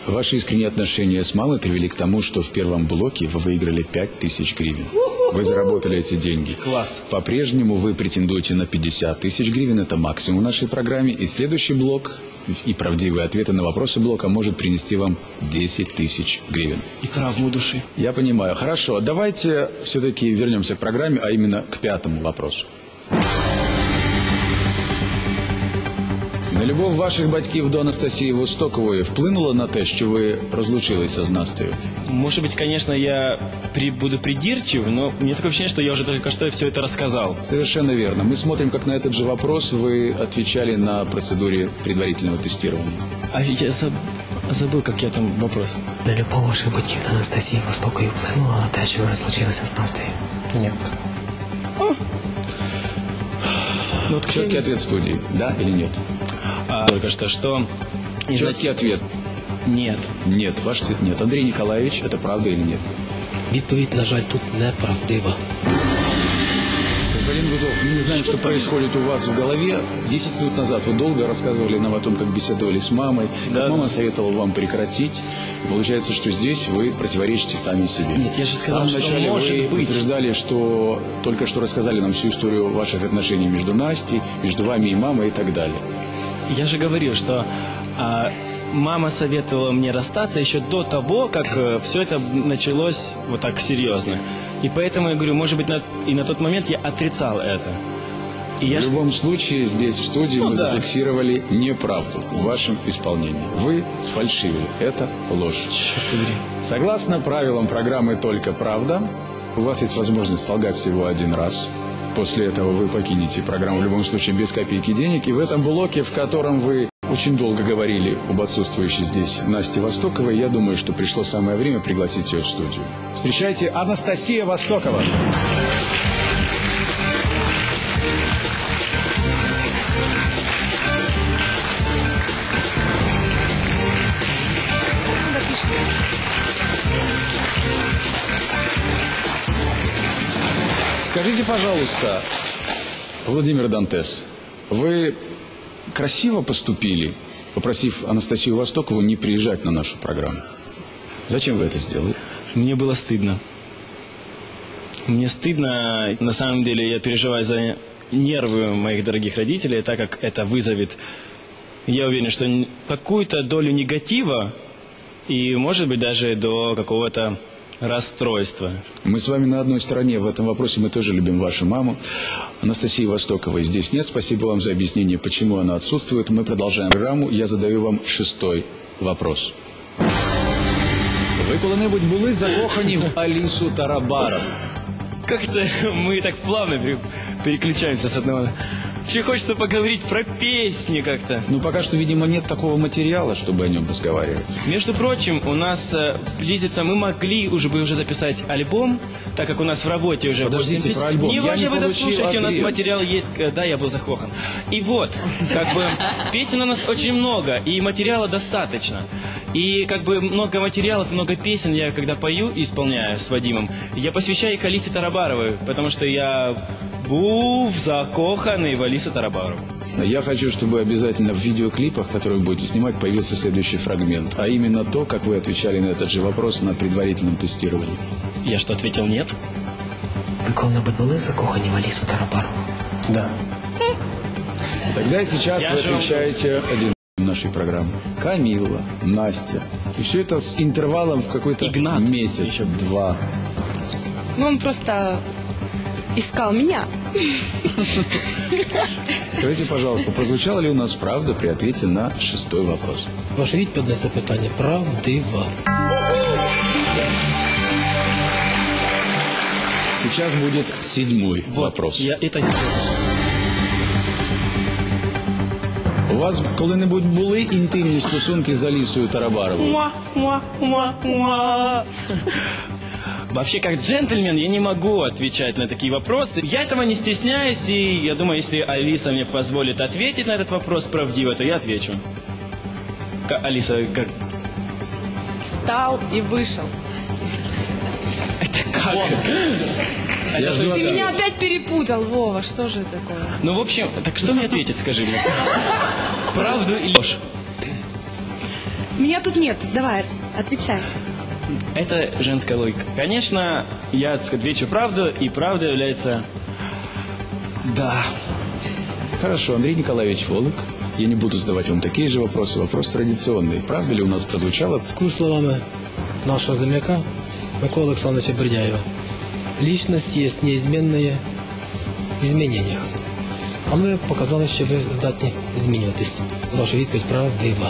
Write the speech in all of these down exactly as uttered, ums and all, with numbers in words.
Ваши искренние отношения с мамой привели к тому, что в первом блоке вы выиграли пять тысяч гривен. Вы заработали эти деньги. Класс. По-прежнему вы претендуете на пятьдесят тысяч гривен. Это максимум в нашей программе. И следующий блок и правдивые ответы на вопросы блока может принести вам десять тысяч гривен. И травму души. Я понимаю. Хорошо. Давайте все-таки вернемся к программе, а именно к пятому вопросу. На любов ваших батьків до Анастасії Востокової вплинуло на те, що ви розлучилися з Настею? Может быть, конечно, я при, буду придирчив, но мне такое ощущение, что я уже только что все это рассказал. Совершенно верно. Мы смотрим, как на этот же вопрос вы отвечали на процедуре предварительного тестирования. А я заб... забыл, как я там вопрос. На любов ваших батьків до Анастасії Востокової вплинуло на те, що ви розлучилися з Настею? Нет. Ну, вот четкий ответ студии. Да или нет? А, только что, что... Четкий ответ. Нет. Нет. Ваш ответ нет. Андрей Николаевич, это правда или нет? Відповідь, на жаль, тут неправдива. Господин Гудов, мы не знаем, что происходит у вас в голове. Десять минут назад вы долго рассказывали нам о том, как беседовали с мамой, как Да. мама советовала вам прекратить. Получается, что здесь вы противоречите сами себе. Нет, я же В сказал, самом что начале может вы быть. утверждали, что только что рассказали нам всю историю ваших отношений между Настей, между вами и мамой и так далее. Я же говорил, что а, мама советовала мне расстаться еще до того, как а, все это началось вот так серьезно. И поэтому я говорю, может быть, на, и на тот момент я отрицал это. И я В ж- любом случае, здесь, в студии, Ну мы да. зафиксировали неправду в вашем исполнении. Вы сфальшивили. Это ложь. Черт побери. Согласно правилам программы «Только правда», у вас есть возможность солгать всего один раз. После этого вы покинете программу в любом случае без копейки денег. И в этом блоке, в котором вы очень долго говорили об отсутствующей здесь Насте Востоковой, я думаю, что пришло самое время пригласить ее в студию. Встречайте, Анастасия Востокова. Скажите, пожалуйста, Владимир Дантес, вы красиво поступили, попросив Анастасию Востокову не приезжать на нашу программу? Зачем вы это сделали? Мне было стыдно. Мне стыдно, на самом деле я переживаю за нервы моих дорогих родителей, так как это вызовет, я уверен, что н- какую-то долю негатива и, может быть, даже до какого-то расстройства. Мы с вами на одной стороне в этом вопросе, мы тоже любим вашу маму. Анастасии Востоковой здесь нет. Спасибо вам за объяснение, почему она отсутствует. Мы продолжаем программу. Я задаю вам шестой вопрос. Ви коли-небудь були закохані в Алісу Тарабарову? Как-то мы так плавно пере- переключаемся с одного. Вообще хочется поговорить про песни как-то. Ну, пока что, видимо, нет такого материала, чтобы о нем разговаривать. Между прочим, у нас э, близится, мы могли уже бы уже записать альбом, так как у нас в работе уже... Подождите, восемь про альбом. Не Я важно, не вы получил дослушайте, у нас ответ. материал есть, э, да, я был закохан. И вот, как бы, песен у нас очень много, и материала достаточно. И как бы много материалов, много песен я когда пою и исполняю с Вадимом, я посвящаю их Алисе Тарабаровой, потому что я був закоханный в Алису Тарабарову. Я хочу, чтобы обязательно в видеоклипах, которые вы будете снимать, появился следующий фрагмент. А именно то, как вы отвечали на этот же вопрос на предварительном тестировании. Я что, ответил нет? Ви коли-небудь були закохані в Алісу Тарабарову? Да. Тогда и сейчас Я вы же вам- отвечаете один нашей программы. Камилла, Настя. И все это с интервалом в какой-то Игнат месяц, еще. два. Ну, он просто искал меня. Скажите, пожалуйста, прозвучала ли у нас правда при ответе на шестой вопрос? Ваша відповідь на це питання правдива. Сейчас будет седьмой вопрос. Я это не У вас коли-небудь були інтимні стосунки з Алісою Тарабаровою? Муа, муа, муа, муа. Вообще, как джентльмен, я не могу отвечать на такие вопросы. Я этого не стесняюсь, и я думаю, если Алиса мне позволит ответить на этот вопрос правдиво, то я отвечу. Ка- Алиса, как... Встал и вышел. Это как? Я жду Ты ответа. меня опять перепутал, Вова, что же такое? Ну, в общем, так что мне ответить, скажи мне? Правду или ложь? Меня тут нет. Давай, отвечай. Это женская логика. Конечно, я, так сказать, отвечу правду, и правда является... Да. Хорошо, Андрей Николаевич Волок. Я не буду задавать вам такие же вопросы. Вопрос традиционный. Правда ли у нас прозвучало? Такими словами нашего земляка Миколи Олександровича Бердяева. Личность є неизменная в изменениях. А ми показали, що ви здатні змінюватись. Ваша відповідь правдива.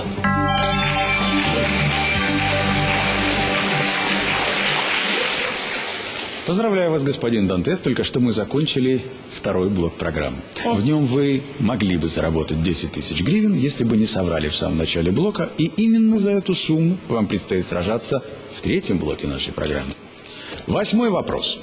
Поздравляю вас, господин Дантес. Только что мы закончили второй блок программы. В нем вы могли бы заработать десять тысяч гривен, если бы не соврали в самом начале блока. И именно за эту сумму вам предстоит сражаться в третьем блоке нашей программы. Восьмой вопрос.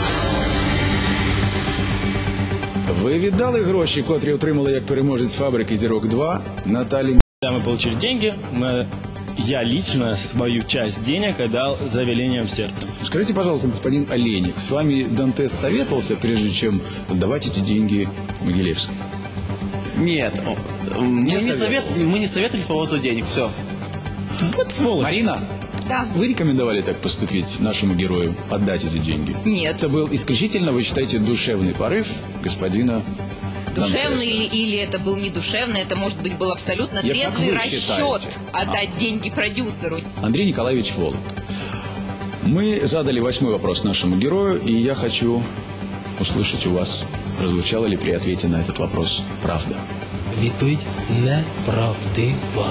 Ви віддали гроші, котрі отримали як переможець фабрики «Зірок два» Наталі? Когда мы получили деньги, мы... я лично свою часть денег отдал за велением сердца. Скажите, пожалуйста, господин Олейник, с вами Дантес советовался, прежде чем отдавать эти деньги Могилевской? Нет, мы не, советовался. совет, мы не советовались по поводу денег, все. Вот сволочь. Марина, Да. вы рекомендовали так поступить нашему герою, отдать эти деньги? Нет. Это был исключительно, вы считаете, душевный порыв господина Душевный Дантеса? или, или это был не душевный, это, может быть, был абсолютно Я- как трезвый вы расчет считаете? отдать деньги продюсеру. Андрей Николаевич Волок. Мы задали восьмой вопрос нашему герою, и я хочу услышать у вас, прозвучало ли при ответе на этот вопрос правда. Відповідь неправдива.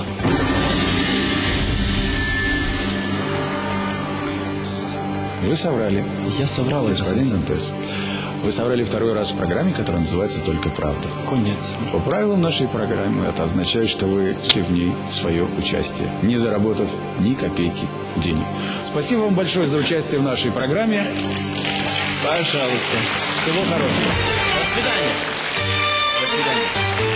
Вы соврали, Я соврал, господин Дантес. Вы соврали второй раз в программе, которая называется «Только правда». Конец. По правилам нашей программы это означает, что вы шли в ней свое участие, не заработав ни копейки денег. Спасибо вам большое за участие в нашей программе. Пожалуйста. Всего хорошего. До свидания. До свидания.